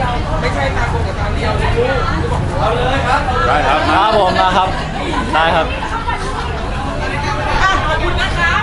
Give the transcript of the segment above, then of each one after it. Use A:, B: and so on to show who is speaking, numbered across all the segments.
A: ดียวไม่ใช่ตาโกกับตาเดียวเลยลูกเอาเลยครับ
B: ได้ครับ
C: ครับผมมาครับได้ครับ
A: ขอบคุณนะคะ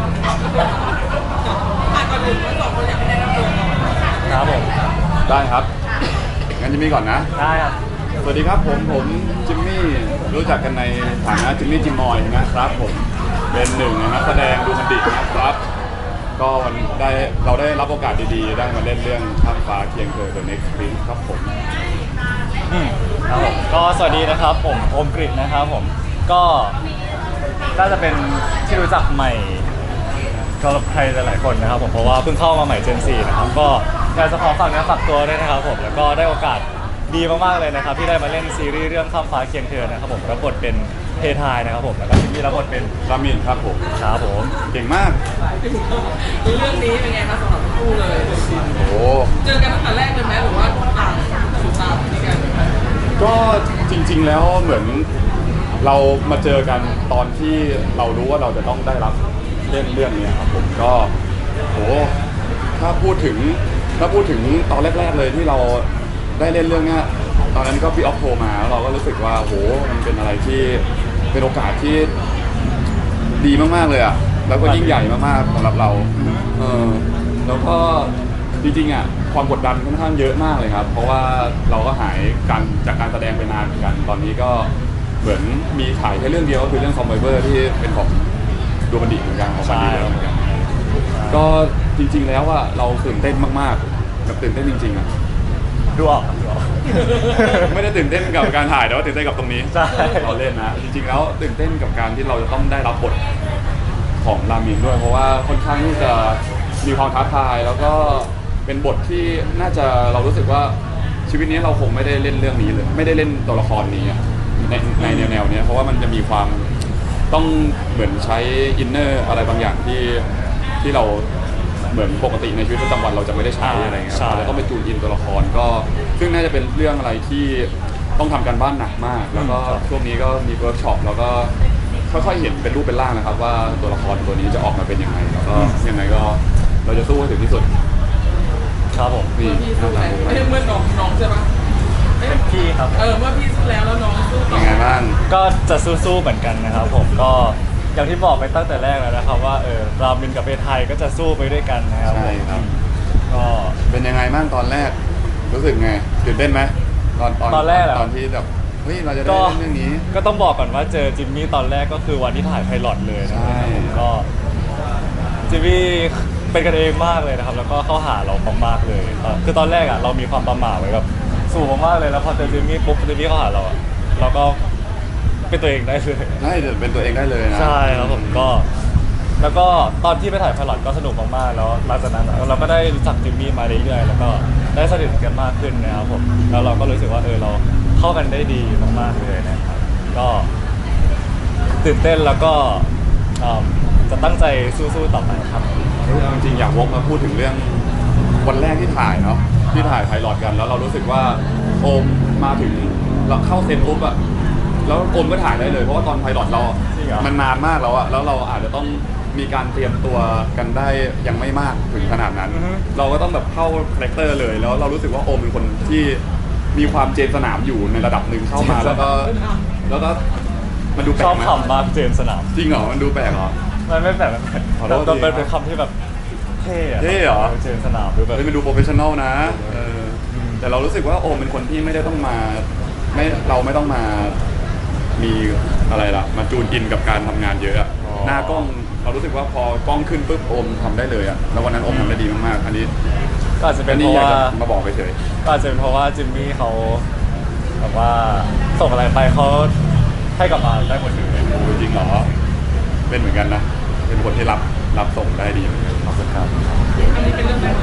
A: ก่อนอื่นทั้งสองคนอยากให้แนะนำตัวก่อน
C: ครับผม
B: ได้ครับงั้นจิมมี่ก่อนนะ
C: ได้ครับ
B: สวัสดีครับผมจิมมี่รู้จักกันในฐานะจิมมี่จิมมอยนะครับผมเป็นหนึ่งในนักแสดงดูมันดินะครับก็วันเราได้รับโอกาสดีๆได้มาเล่นเรื่องข้ามฟ้าเคียงเธอ The Next Prince ครับผม
C: ครับผมก็สวัสดีนะครับผมโอมกฤษนะครับผมก็น่าจะเป็นที่รู้จักใหม่สำหรับใครหลายๆคนนะครับผมเพราะว่าเพิ่งเข้ามาใหม่เจน4นะครับก็อยากจะขอฝากเนื้อฝากตัวด้วยนะครับผมแล้วก็ได้โอกาสดีมากๆเลยนะครับที่ได้มาเล่นซีรีส์เรื่องข้ามฟ้าเคียงเธอนะครับผมรับบทเป็นเททายนะครับผมแล้วก็ที่รับบทเป็น
B: รามินครับผม
C: ครับผม
B: เก่งมาก
A: เรื่องนี้เป็นไงครับสำหรับคู่เลย
B: โอ้
A: เจอกันตั้งแต่แรกเลยไหมหรือว่าต่างสุดตามที่กัน
B: ก็จริงๆแล้วเหมือนเรามาเจอกันตอนที่เรารู้ว่าเราจะต้องได้รับเล่นเรื่องนี้ครับผมก็โหถ้าพูดถึงตอนแรกๆเลยที่เราได้เล่นเรื่องนี้ตอนนั้นก็พี่ออฟโทรมาแล้วเราก็รู้สึกว่าโหมันเป็นอะไรที่เป็นโอกาสที่ดีมากๆเลยอ่ะแล้วก็ยิ่งใหญ่มากๆสำหรับเราแล้วก็จริงๆอ่ะความกดดันค่อนข้างเยอะมากเลยครับเพราะว่าเราก็หายกันจากการแสดงไปนานเหมือนกันตอนนี้ก็เหมือนมีถ่ายแค่เรื่องเดียวก็คือเรื่องคอมไบเบอร์ที่เป็นของดูบันดิเหมือนกันของบันดิเหมือนกันก็จริงๆแล้วอ่ะเราตื่นเต้นมากๆแบบตื่นเต้นจริงๆอ่ะ
C: ดูออก
B: ไม่ได้ตื่นเต้นกับการถ่ายแต่ว่าตื่นเต้นกับตรงนี้เราเล่นนะจริงๆแล้วตื่นเต้นกับการที่เราจะต้องได้รับบทของรามินด้วยเพราะว่าค่อนข้างที่จะมีความท้าทายแล้วก็เป็นบทที่น่าจะเรารู้สึกว่าชีวิตนี้เราคงไม่ได้เล่นเรื่องนี้เลยไม่ได้เล่นตัวละครนี้ในแนวนี้เพราะว่ามันจะมีความต้องเหมือนใช้อินเนอร์อะไรบางอย่างที่เราเหมือนปกติในชีวิตประจำวันเราจะไม่ได้ใช้อะไรเงี้ยเราต้องไปจูนอินตัวละครก็ซึ่งน่าจะเป็นเรื่องอะไรที่ต้องทำการบ้านหนักมากแล้วก็ช่วงนี้ก็มีเวิร์กช็อปแล้วก็ค่อยๆเห็นเป็นรูปเป็นร่างนะครับว่าตัวละครตัวนี้จะออกมาเป็นยังไงแล้วก็ยังไงก็เราจะสู้ให้ถึงที่สุด
C: ครับผม
A: พี่สู้แล้วเมื่อน้องใช่ปะ
C: พี่ครับ
A: เมื่อพี่สู้แล้วน้องสู้ต่อ
B: ยังไงบ้าง
C: ก็จะสู้ๆเหมือนกันนะครับผมก็อย่างที่บอกไปตั้งแต่แรกแล้วนะครับว่ารามินกับเททายก็จะสู้ไปด้วยกันนะครับ
B: ใช่ครับ
C: ก็
B: เป็นยังไงบ้างตอนแรกรู้สึกไงตื่นเต้นไหมตอนแรกตอนที่แบบเฮ้ยเราจะได้เล่นเรื่องนี้
C: ก็ต้องบอกก่อนว่าเจอจิมมี่ตอนแรกก็คือวันที่ถ่ายไพลอตเลยนะครับผมก็จิมมี่เป็นกันเองมากเลยนะครับแล้วก็เข้าหาเรามากๆเลยคือตอนแรกอ่ะเรามีความประหม่าไว้แบบสูงมากเลยแล้วพอเจอจิมมี่ปุ๊บจิมมี่เข้าหาเราอ่ะเราก็เป็นตัวเองได้เลย
B: ใช่เป็นตัวเองได้เลยนะ
C: ใช่ครับผมก็แล้วก็ตอนที่ไปถ่ายไพลอตก็สนุกมากๆแล้วหลังจากนั้นเราก็ได้รู้จักจิมมี่มาเรื่อยๆแล้วก็ได้สนิทกันมากขึ้นนะครับผมแล้วเราก็รู้สึกว่าเราเข้ากันได้ดีมากๆเลยนะครับก็ตื่นเต้นแล้วก็จะตั้งใจสู้ๆต่อไปครับ
B: จริงๆอยากวกมาพูดถึงเรื่องวันแรกที่ถ่ายเนาะที่ถ่ายไพลอตกันแล้วเรารู้สึกว่าโอมมาถึงเราเข้าเซตปุ๊บอะแล้วโอมก็ถ่ายได้เลยเพราะว่าตอนไพลอตเรามันนานมากแล้วอะแล้วเราอาจจะต้องมีการเตรียมตัวกันได้ยังไม่มากถึงขนาดนั้นเราก็ต้องแบบเข้าคาแรคเตอร์เลยแล้วเรารู้สึกว่าโอมเป็นคนที่มีความเจนสนามอยู่ในระดับหนึ่งเข้ามาแล้วก็มันดูแปลก
C: ชอบคำมากเจนสนาม
B: จริงเหรอมันดูแปลกเหรอ
C: มันไม่แปลกมันเป็นคำที่แบบเท่
B: เหรอ
C: เจนสนามหรือแบบ
B: มันดูโปรเฟชชั่นอลนะแต่เรารู้สึกว่าโอมเป็นคนที่ไม่ได้ต้องมาเราไม่ต้องมามีอะไรล่ะมาจูนอินกับการทำงานเยอะหน้ากล้องเรารู้สึกว่าพอกล้องขึ้นปุ๊บโอมทำได้เลยอะแล้ววันนั้นโอมทำได้ดีมากๆอันนี้
C: ก็อาจจะเป็นเพราะว่า
B: มาบอกไปเฉย
C: ก็อาจจะเป็นเพราะว่าจิมมี่เขาแบบว่าส่งอะไรไปเขาให้กลับมาได้หมดเลย
B: จริงเหรอเป็นเหมือนกันนะเป็นคนที่รับส่งได้ดี
C: ขอบคุณครับ
A: อันนี้เป็นเรื่องแรก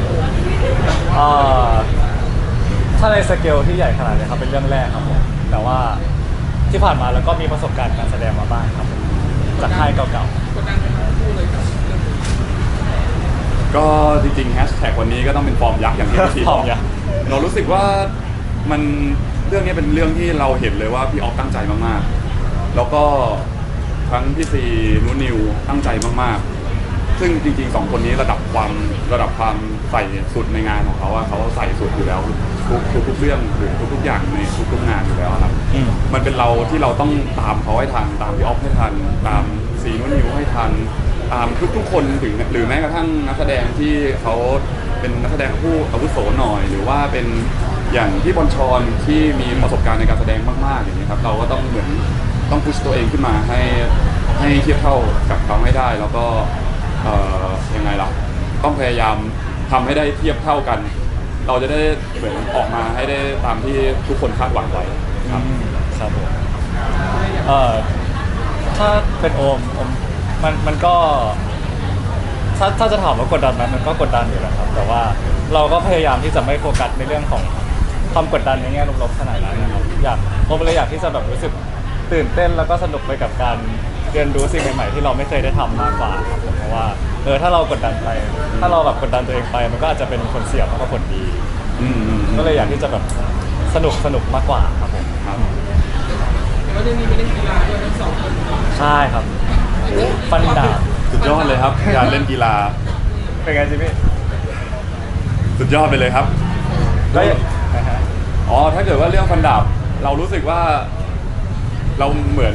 C: ถ้าในสเกลที่ใหญ่ขนาดนี้ครับเป็นเรื่องแรกครับผมแต่ว่าที่ผ่านมาแล้วก็มีประสบการณ์การแสดงมาบ้างครับจากค่ายเก่า
A: ๆกดดันไหมครับพูดเลยครับ
B: ก็จริงๆแฮชแท็กวันนี้ก็ต้องเป็นฟอร์มยักษ์อย่างที่พี่บอกเรารู้สึกว่ามันเรื่องนี้เป็นเรื่องที่เราเห็นเลยว่าพี่ออฟตั้งใจมากๆแล้วก็ทั้งพี่ซีนุนิวตั้งใจมากๆซึ่งจริงๆ2 คนนี้ระดับความใส่สุดในงานของเขาอะเขาใส่สุดอยู่แล้วทุกเรื่องหรือทุกๆอย่างในทุกๆงานอยู่แล้วครับ มันเป็นเราที่เราต้องตามเขาให้ทันตามพี่ออฟให้ทันตามสีนุ่นนิวให้ทันตามทุกๆคนถึงหรือแม้กระทั่งนักแสดงที่เขาเป็นนักแสดงผู้อาวุโสหน่อย หรือว่าเป็นอย่างพี่บอลชอนที่มีประสบการณ์ในการแสดงมากๆอย่างนี้ครับเราก็ต้องเหมือนต้องพุชตัวเองขึ้นมาให้เทียบเท่ากับเขาให้ได้ แล้วก็ยังไงล่ะต้องพยายามทำให้ได้เทียบเท่ากัน เราจะได้เหมือนออกมาให้ได้ตามที่ทุกคนคาดหวังไว้ครับ
C: ครับผมถ้าเป็นโอมมันก็ถ้าจะถามว่ากดดันไหมมันก็กดดันอยู่แหละครับ แต่ว่าเราก็พยายามที่จะไม่โฟกัสในเรื่องของความกดดันในแง่ลบๆขนาดนั้นนะครับผมเลยอยากที่จะแบบรู้สึกตื่นเต้นแล้วก็สนุกไปกับการเรียนรู้สิ่งใหม่ๆที่เราไม่เคยได้ทำมากกว่าครับผมเพราะว่าถ้าเรากดดันไป ถ้าเราแบบกดดันตัวเองไป มันก็อาจจะเป็นผลเสียมากกว่าผลดี ก็เลยอยากที่จะแบบสนุกมากกว่าครับผม
B: ครับ
A: แต่ว่าจะมีไปเล่นกีฬาด้วยทั้ง2 คน
C: ใช่ครับฟันดาบ
B: สุดยอดเลยครับการเล่นกีฬา
C: เป็นไงจิมี่
B: สุดยอดไปเลยครับ
C: ก็นะฮะ
B: อ๋อถ้าเกิดว่าเรื่องฟันดาบเรารู้สึกว่าเราเหมือน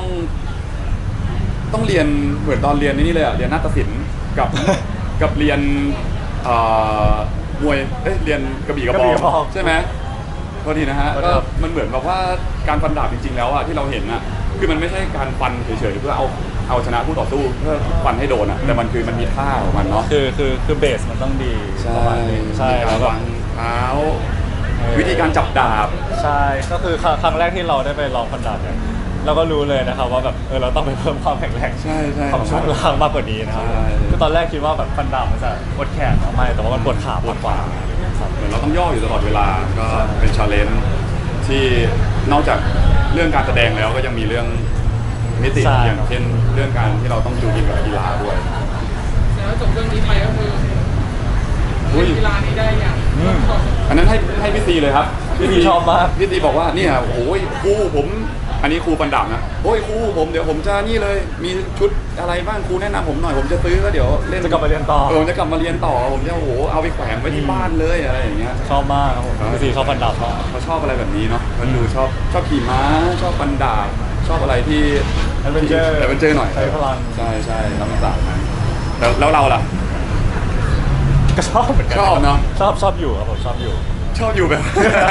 B: ต้องเรียนเหมือนตอนเรียนนี่เลยอะเรียนนาฏศิลป์กับเรียนมวยเรียนกระบี่กระบองใช่ไหมพอดีนะฮะก็มันเหมือนแบบว่าการฟันดาบจริงๆแล้วอะที่เราเห็นอะคือมันไม่ใช่การฟันเฉยๆเพื่อเอาชนะคู่ต่อสู้เพื่อฟันให้โดนอะแต่มันมีท่าของมันเนาะ
C: คือเบสมันต้องดี
B: ใช่
C: ประมาณนึงใช่
B: มี
C: แล้
B: กาว ร
C: ก็
B: วางเท้า วิธีการจับดาบ
C: ใช่ก็คือครั้งแรกที่เราได้ไปลองฟันดาบเนี่ยเราก็รู้เลยนะครับว่าแบบเราต้องไปเพิ่มความแข็งแรง
B: ใช่
C: ของช่วงล่างมากกว่านี้นะครับ
B: ใช่
C: คือตอนแรกคิดว่าแบบฟันดาบมันจะปวดแขนไม่แต่ว่ามันปวดขามากกว่าครับ
B: เหมือนเราต้องย่ออยู่ตลอดเวลาก็เป็นชาเลนจ์ที่นอกจากเรื่องการแสดงแล้วก็ยังมีเรื่องมิติอย่างเช่นเรื่องการที่เราต้องจูงกินกับกีฬาด้วย
A: แล้วจบเรื่องนี้ไปก็คือเล่นกีฬานี้ได้อย่าง
B: อันนั้นให้พี่ซีเลยครับ
C: พี่ชอบมาก
B: พี่ซีบอกว่าเนี่ยโอ้ยครูผมอันนี้ครูฟันดาบนะโอ้ยครูผมเดี๋ยวผมจะนี่เลยมีชุดอะไรบ้างครูแนะนำผมหน่อยผมจะซื้อแล้วเดี๋ยวเล่น
C: จะกลับมาเรียนต่อ
B: ผมจะกลับมาเรียนต่อผมจะโอ้โหเอาไปแขวนไว้ที่บ้านเลยอะไรอย่างเงี้ย
C: ชอบมากครับผมพี่ซีชอบฟันดาบมาก
B: เขาชอบอะไรแบบนี้เนาะมันดูชอบขี่ม้าชอบฟันดาบชอบอะไรที่
C: แอดเวนเจอร์
B: หน่อย
C: ใช้พลัง
B: ใช่ธรรมศาสตร์นั้นแล้วเราล่ะ
C: ก็ชอบเหมือนกัน
B: ชอบเนอะ
C: ชอบอยู่ครับผมชอบอยู่
B: ชอบอยู่แบบ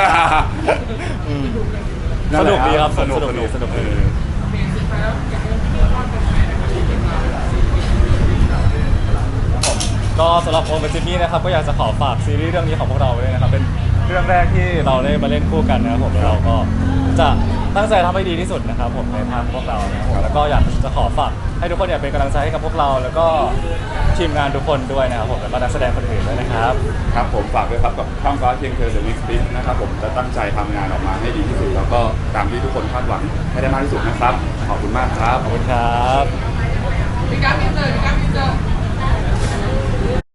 C: สนุกดีครับ
B: สนุก
C: สนุกดี
B: เออ
A: เพลงสุดท้ายแล้วอยากให้พูดว่าเป็นแฟนนะครับที่เป็นมา
C: ก็สำหรับโอมกับจิมมี่นะครับก็อยากจะขอฝากซีรีส์เรื่องนี้ของพวกเราไว้ด้วยนะครับเป็นเรื่องแรกที่เราได้มาเล่นคู่กันนะครับผมแล้วเราก็จะตั้งใจทำให้ดีที่สุดนะครับผมในทางพวกเรานะครับผมแล้วก็อยากจะขอฝากให้ทุกคนเป็นกำลังใจให้กับพวกเรา แล้วก็ทีมงานทุกคนด้วยนะครับผมแล้วก็นักแสดงคนอื่นด้วยนะครับ
B: ครับผมฝากด้วยครับกับข้ามฟ้าเพียงเธอ The Mix Beat นะครับผมจะตั้งใจทำงานออกมาให้ดีที่สุด แล้วก็ตามที่ทุกคนคาดหวังให้ได้มากที่สุดนะครับ ขอบคุณมากครับ
C: ขอบคุณครับ
A: มีการมีเจอ